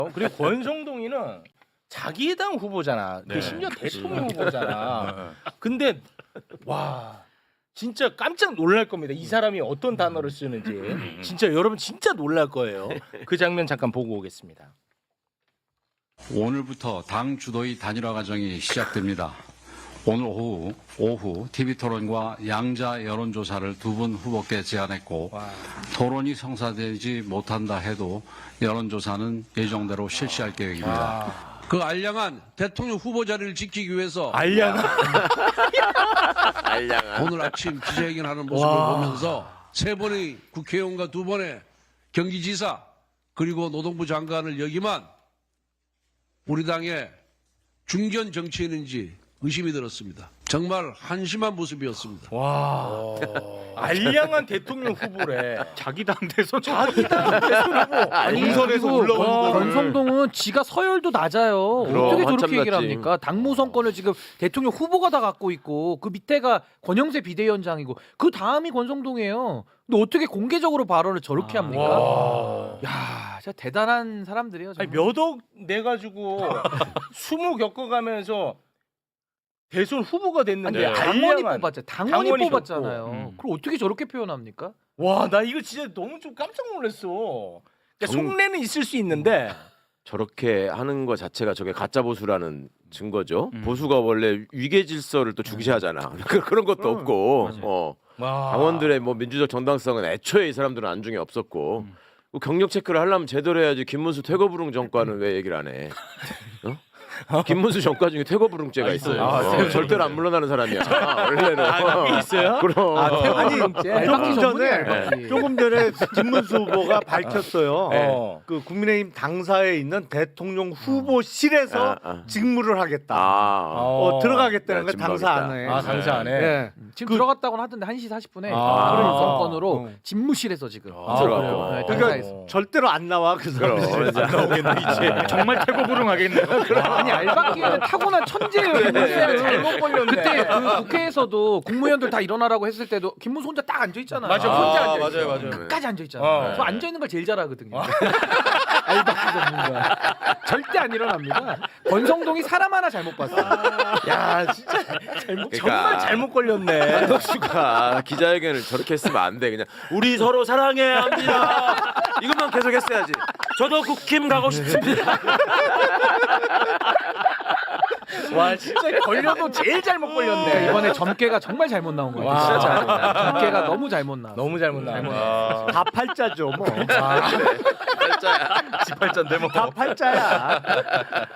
그리고 권성동이는 자기 당 후보잖아. 네. 심지어 대통령 후보잖아. 근데 와 진짜 깜짝 놀랄 겁니다. 이 사람이 어떤 단어를 쓰는지 진짜 여러분 진짜 놀랄 거예요. 그 장면 잠깐 보고 오겠습니다. 오늘부터 당 주도의 단일화 과정이 시작됩니다. 오늘 오후 TV토론과 양자 여론조사를 두 분 후보께 제안했고 와. 토론이 성사되지 못한다 해도 여론조사는 예정대로 실시할 계획입니다. 와. 그 알량한 대통령 후보 자리를 지키기 위해서 알량한 오늘 아침 기자회견하는 모습을 와. 보면서 세 번의 국회의원과 두 번의 경기지사 그리고 노동부 장관을 역임한 우리 당의 중견 정치인인지 의심이 들었습니다. 정말 한심한 모습이었습니다. 와. 알량한 대통령 후보래. 자기 당 대선 자기 당 대선 후보. 공선에서 그리고 올라오는 거를. 권성동은 지가 서열도 낮아요. 그럼, 어떻게 한참 저렇게 얘기를 낮지. 합니까? 당무선권을 지금 대통령 후보가 다 갖고 있고 그 밑에가 권영세 비대위원장이고 그 다음이 권성동이에요. 근데 어떻게 공개적으로 발언을 저렇게 합니까? 와. 야, 진짜 대단한 사람들이에요. 아니 정말. 몇억 내 가지고 20 겪어가면서 대선 후보가 됐는데 아니, 당원이 알량한- 뽑았잖아요. 당원이 당원이 뽑았잖아요. 줬고. 그걸 어떻게 저렇게 표현합니까? 와, 나 이거 진짜 너무 좀 깜짝 놀랐어. 그러니까 속내는 있을 수 있는데 저렇게 하는 거 자체가 저게 가짜 보수라는 증거죠. 보수가 원래 위계 질서를 또 중시하잖아. 그런 것도 없고, 와. 당원들의 뭐 민주적 정당성은 애초에 이 사람들은 안중에 없었고, 그 경력 체크를 하려면 제대로 해야지. 김문수 퇴거불능 정과는 왜 얘기를 안 해? 김문수 정과 중에 퇴거불능죄가 있어요. 절대로 안 물러나는 사람이야. 원래는. 그게 있어요? 그럼. 태블릿제. 알바기 전문이야, 전에 알바기. 조금 전에 김문수 후보가 밝혔어요. 네. 그 국민의힘 당사에 있는 대통령 후보실에서 직무를 하겠다. 들어가겠다는 거 네, 당사 진박이다. 안에. 아, 당사 안에. 네. 지금 들어갔다고는 하던데 1시 40분에 아. 그런 정권으로 어. 집무실에서 지금 들어갔구나. 네, 그러니까 당사에서. 절대로 안 나와 그 사람. 안 나오겠네 이제. 정말 태고불응하겠네요. 아니 알바끼는 타고난 천재예요. 김문수는. 잘못 걸렸네. 그때 그 국회에서도 국무위원들 다 일어나라고 했을 때도 김문수 혼자 딱 앉아 있잖아요. 맞아, 혼자 앉아 있어. 맞아요. 끝까지 앉아 있잖아요. 저 앉아 있는 걸 제일 잘하거든요. 알바끼 전문가. 절대 안 일어납니다. 권성동이 사람 하나 잘못 봤어요. 야, 진짜 잘못, 그러니까. 정말 잘못 걸렸네. 한덕수가 기자회견을 저렇게 했으면 안 돼. 그냥 우리 서로 사랑해야 합니다. 이것만 계속 했어야지. 저도 국힘 가고 싶습니다. 와, 진짜 걸려도 제일 잘못 걸렸네. 이번에 점괘가 정말 잘못 나온 거예요. 와. 진짜 점괘가 너무 잘못 나왔어요. 너무 잘못 나왔네. 다 팔자죠 뭐. 팔자야. 지팔자인데 뭐. 다 팔자야.